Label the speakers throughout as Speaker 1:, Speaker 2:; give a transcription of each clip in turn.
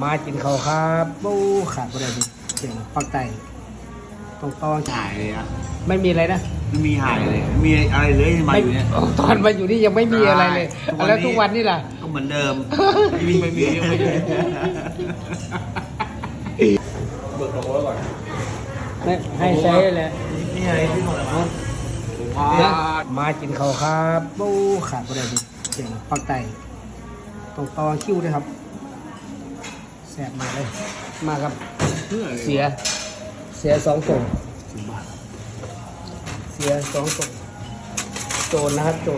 Speaker 1: มากินเขาวครับบูขาดประเดี๋ยวเสียงปักไก่ต้อง
Speaker 2: หายเลยอะ
Speaker 1: ไม่มีอะไรนะ
Speaker 2: ไม่มีหายเลยไม่มีอะไรเลยที่มาอยู่เนี่ย
Speaker 1: ตอนมาอยู่นี่ยังไม่มีอะไรเลยแล้วทุกวันนี่ล่ะ
Speaker 2: ก็เหมือนเดิมไม่มีเบิกตัวก่อน
Speaker 1: ให้ใช้แหละ
Speaker 2: นี่อะไรที่หมดแล้ว
Speaker 1: มากินเขาวครับบูขาดประเดี๋ยวเสียงปักไก่ต้องคิ้วด้วยครับแสบมาเลยมาครับเสีย2 ส่งเสีย2 ส่งโจรนะครับโจร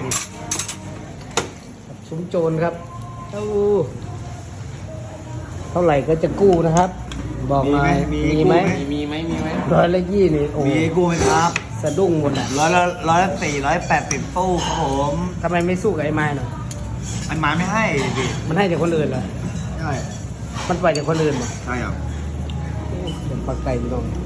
Speaker 1: ซุ้มโจรครับเท่าไหร่ก็จะกู้นะครับบอกหน่อยมีไหม120นี่โอ้
Speaker 2: มีกู้ไหมครับ
Speaker 1: สะดุ้งหมดแหละ
Speaker 2: 180ตู้ครับผม
Speaker 1: ทำไมไม่สู้กับไอ้ไม้หน่อย
Speaker 2: ไอ้หมาไม่ให้ดิ
Speaker 1: มันให้แต่คนอื่นเหรอ
Speaker 2: ใช่
Speaker 1: มันปล่อยแต่คนอื่นเหรอ
Speaker 2: ใช่ครับ
Speaker 1: เป็นปักไก่พี่น้อง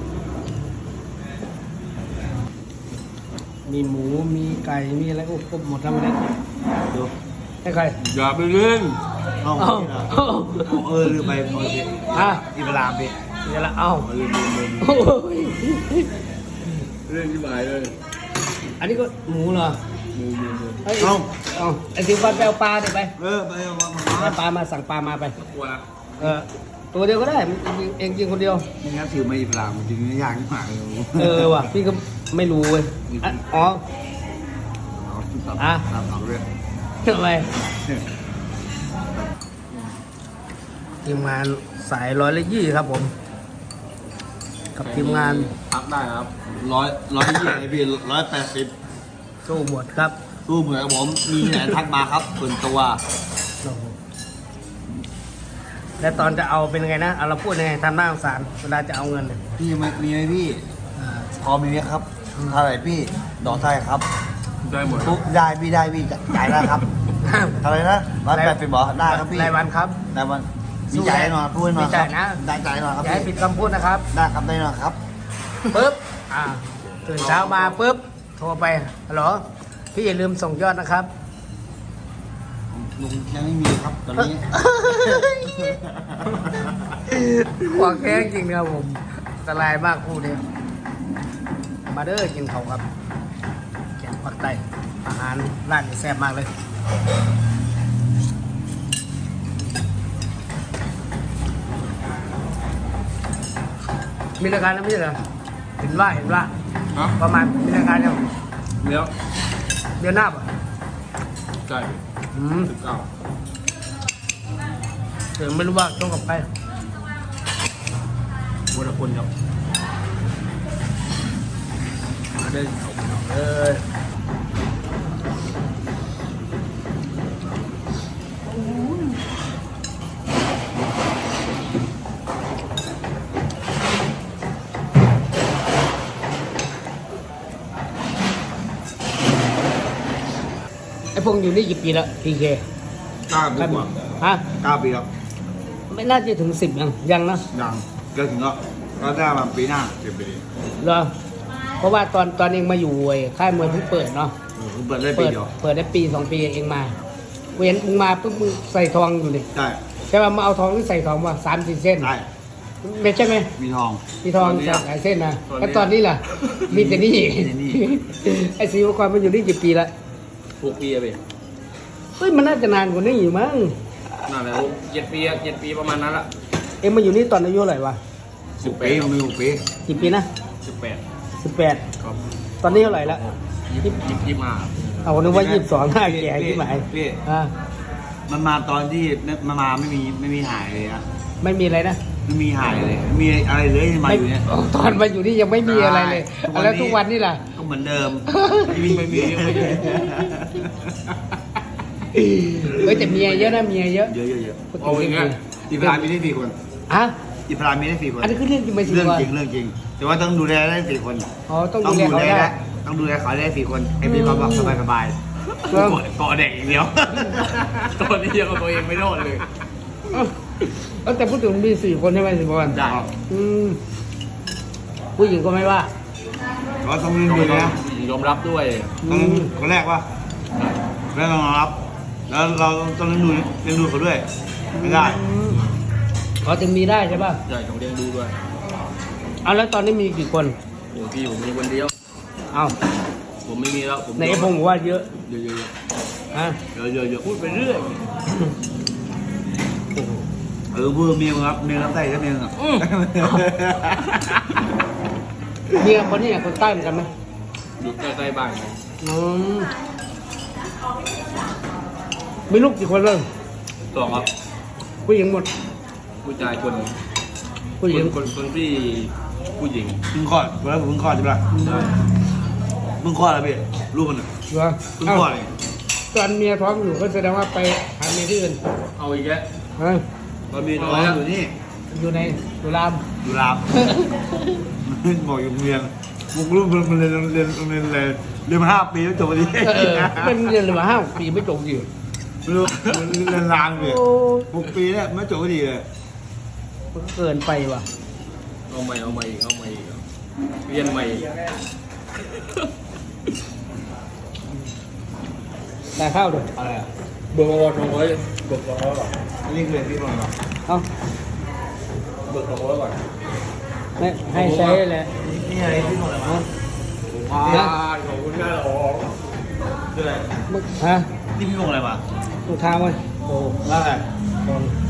Speaker 1: มีหมูมีไก่มีอะไรครบหมดแล้วมันเนี่ย
Speaker 2: ดู
Speaker 1: ให้ใคร
Speaker 2: อย่าไปเล่นเอา
Speaker 1: เอ้า
Speaker 2: ลืมไปพอสิ
Speaker 1: อ่ะ
Speaker 2: อีเวลาไป
Speaker 1: เดี๋ยวละเอ้า
Speaker 2: ลืม
Speaker 1: โอ้ย
Speaker 2: เรื่องที่หมายเลย
Speaker 1: อันนี้ก็หมูเหรอ เอ้ย
Speaker 2: เอา
Speaker 1: เอาไอ้สิวฟันไปเอาปลาเดี๋ยวไป
Speaker 2: ไปเอามา
Speaker 1: เอาปลามาสั่งปลามาไป
Speaker 2: กลัวนะ
Speaker 1: ตัวเดียวก็ได้เองกินคนเดียว
Speaker 2: นี่งั้นถือมาอีเวลามันจริงๆยากที่หมายเลย
Speaker 1: ว่ะพี่ก็ไม่รู้เว้ยอ๋อ
Speaker 2: ตามเขาเรื่อง
Speaker 1: ทำไมทีมงานสาย120ครับผม กับทีมงาน
Speaker 2: พักได้ครับ120ไอพี่180
Speaker 1: สู้หมดครับ
Speaker 2: สู้เหมือนผมมีไหนทักมาครับส่วนตัว
Speaker 1: แล้วตอนจะเอาเป็นไงนะเอาเราพูดยังไงทำหน้าสงสารเวลาจะเอาเงินเนี่ย
Speaker 2: พี่มีไหมพี่พอมีไหมครับเท่าไหร่พี่ดอกเท่าไหร่ครับได้หมดปุ๊บได้พี่จ่ายได้ครับเท่าไหร่นะ180บอกได้ครับพี่
Speaker 1: รายวันครับ
Speaker 2: รายวันมีจ่ายแน่นอนพูดแน่นอน
Speaker 1: มีจ่ายนะ
Speaker 2: ได้จ่ายแน่นอนครับ
Speaker 1: อย่าให้ผิดคำพูดนะครับ
Speaker 2: ได้ครับได้แน่นอนครับ
Speaker 1: ปุ๊บตื่นเช้ามาปุ๊บโทรไปฮัลโหลพี่อย่าลืมส่งยอดนะครับ
Speaker 2: ลุงยังไม่มีครับตอนนี้
Speaker 1: ขวางแข้งจริงนะครับผมอันตรายมากคู่นี้มาเด้อกินเขาครับแกงปักไตอาหารร้านนี้แซ่บมากเลยมีรายการนะพี่เหรอเห็นว่าประมาณมีรายการยัง
Speaker 2: เดี๋ยว
Speaker 1: เดือนหน้าป่ะ
Speaker 2: ใช่
Speaker 1: ถึงไม่รู้ว่าต้องกับใคร
Speaker 2: วันละคนครับ
Speaker 1: มาเดินไอ้พงอยู่นี่กี่ปีแล้วพีเค
Speaker 2: 9 ปีกว่า
Speaker 1: ฮะ
Speaker 2: 9 ปีแล้ว
Speaker 1: ไม่น่าจะถึง10ยังนะ
Speaker 2: ยังเกินถึงแล้วก็ได้มาปีหน้า10 ปี
Speaker 1: เหรอเพราะว่าตอนเองมาอยู่ค่ายมวยเพิ่งเปิดเนาะ
Speaker 2: ผมเปิดได้ปีเดียว
Speaker 1: เปิดได้ปี 2 ปีเองมาเห็นมึงมาปุ๊บมึงใส่ทองอยู่เลย
Speaker 2: ใช่
Speaker 1: ใช่ป่ะมาเอาทองที่ใส่ทองว่า3-4 เส้น
Speaker 2: ใช่
Speaker 1: ไม่ใช่ไหม
Speaker 2: มีทอง
Speaker 1: มีทองใส่หลายเส้นนะแล้วตอนนี้ล่ะมีแต่นี่ ไอ้ศิวกรมันอยู่นี่กี่ปีละ
Speaker 3: 6 ปีอะพี่
Speaker 1: เฮ้ยมันน่าจะนานกว่านี้อยู่มั้ง
Speaker 3: นั่นแหละ7 ปีประมาณนั้นละ
Speaker 1: เอ็งมาอยู่นี่ตอนอายุเท่าไหร่วะ
Speaker 2: 6 ปีมี6 ปี
Speaker 1: กี่ปีนะ
Speaker 3: 18
Speaker 1: 18
Speaker 3: ครับ
Speaker 1: ตอนนี้เท่าไหร่ละ
Speaker 3: 25
Speaker 1: เอานึกว่า22หน้าแก่ที่หมาย
Speaker 2: พี่ มันมาตอนที่มันมาไม่มีหายเลยนะ
Speaker 1: ไม่มีอะไรนะ
Speaker 2: ไม่มีหายเลยไม่มีอะไรเลยที่มาอยู่เนี่ย
Speaker 1: ตอนมาอยู่นี่ยังไม่มีอะไรเลย แล้วทุกวันนี่ล่ะ
Speaker 2: ก็เหมือนเดิม
Speaker 1: เฮ้ยแต่เมียเยอะนะเมียเยอะ
Speaker 2: เยอะ
Speaker 1: พูดถึ
Speaker 3: เอาอย่างเงี้ย
Speaker 2: อีพรามมีได้4 คน
Speaker 1: อะ
Speaker 2: อีพรามมีได้4 คน
Speaker 1: อันนี้คือเรื่องจริงไหมสิ
Speaker 2: เรื่อง
Speaker 1: วะ
Speaker 2: จริงแต่ว่าต้องดูแลได้4 คน
Speaker 1: อ๋อต้องดูแลเขาได้
Speaker 2: ต้องดูแลเขาได้4 คนไอ้พี่เขาบอกสบายเกาะเด็กอย่างเดียว
Speaker 3: ตัวนี้ยังเอาตัวเองไม่รอดเลย
Speaker 1: แต่พูดถึงมี4 คนใช่ไหมสิบวัน
Speaker 2: ได้
Speaker 1: ผู้หญิงก็ไม่ว่า
Speaker 2: ก็ต้องดูนะ
Speaker 3: ยอมรับด้วย
Speaker 2: ต้องคนแรกว่าแล้วเรารับ แล้วเราต้องเลี้ยงดูเขาด้วยไม่ได้
Speaker 1: แเขาถึงมีได้ใช่ป่ะ
Speaker 3: ใช่ต้องเลี้ยงดูด้วย
Speaker 1: เอาแล้วตอนนี้มีกี่คน
Speaker 3: โอ้พี่ผมมีคนเดียว
Speaker 1: เอา
Speaker 3: ผมไม่มีแล้วผม
Speaker 1: ในพงบอกว่าเยอะ
Speaker 3: เยอะเยอะ
Speaker 1: ฮะ
Speaker 3: เยอะเยอะเยอะพูดไปเรื่อย
Speaker 2: พูดเมียครับเมียน้ำใต้ก็เมียอ่ะ
Speaker 1: เมียคนนี้คนใต้เหมือนกันไหม
Speaker 3: อยู่ใกล้ๆบ้าน
Speaker 1: อืมมีลูกกี่คนเลย
Speaker 3: สองครับ
Speaker 1: ผู้หญิงหมด
Speaker 3: ผู้ชายคน
Speaker 1: ผู้หญิง
Speaker 3: คนที่ผู้หญิง
Speaker 2: เพิ่งคลอดเวลาผมเพิ่งคลอดใช่ปะ
Speaker 3: ใช่
Speaker 2: เพิ่งคลอดแล้วพี่ลูกมัน
Speaker 1: เหรอ
Speaker 2: เพิ่งคลอดเอง
Speaker 1: ตอนเมียท้องอยู่ก็แสดงว่าไปหาเมียที่อื่น
Speaker 3: เอาอีกแล้ว
Speaker 1: ฮะ
Speaker 3: เรามี
Speaker 2: น้
Speaker 3: น้
Speaker 2: อ
Speaker 3: อย
Speaker 2: ง
Speaker 3: แล้ว
Speaker 2: อยู่นี่
Speaker 1: อยู่ในสุราม
Speaker 2: อยู่รามบอกอยู่โรงเรียนมุกลูกมันเรียนมา5 ปีแล้วจบพอดี
Speaker 1: เป็นเรียนเลยมา5 ปีไม่จบอยู่
Speaker 2: ไม่รู้มันเรียนรามเลย6 ปีเนี่ยไม่จบพอดีเลย
Speaker 1: มันเกินไปว่ะ
Speaker 3: เอาใหม่อีกเรียนใหม่อีก
Speaker 1: แต่ข้าวด้วย
Speaker 2: อะไรอ่ะ
Speaker 3: เบอร์วอร์200เบิก200ก่อน
Speaker 2: นี่คือพี่บอกว่า
Speaker 1: เอา
Speaker 3: เบิก200ก่อน
Speaker 1: ให้ใช้แหละ
Speaker 2: นี่อะไรพี่บอกอะไรมา
Speaker 3: ขอบคุณแม่หรอ
Speaker 2: คืออะไร
Speaker 1: ฮะ
Speaker 2: นี่พี่บอกอะไรมา
Speaker 1: ลูกค้ามั้ยโอ้
Speaker 2: ว่าอะไร
Speaker 1: คน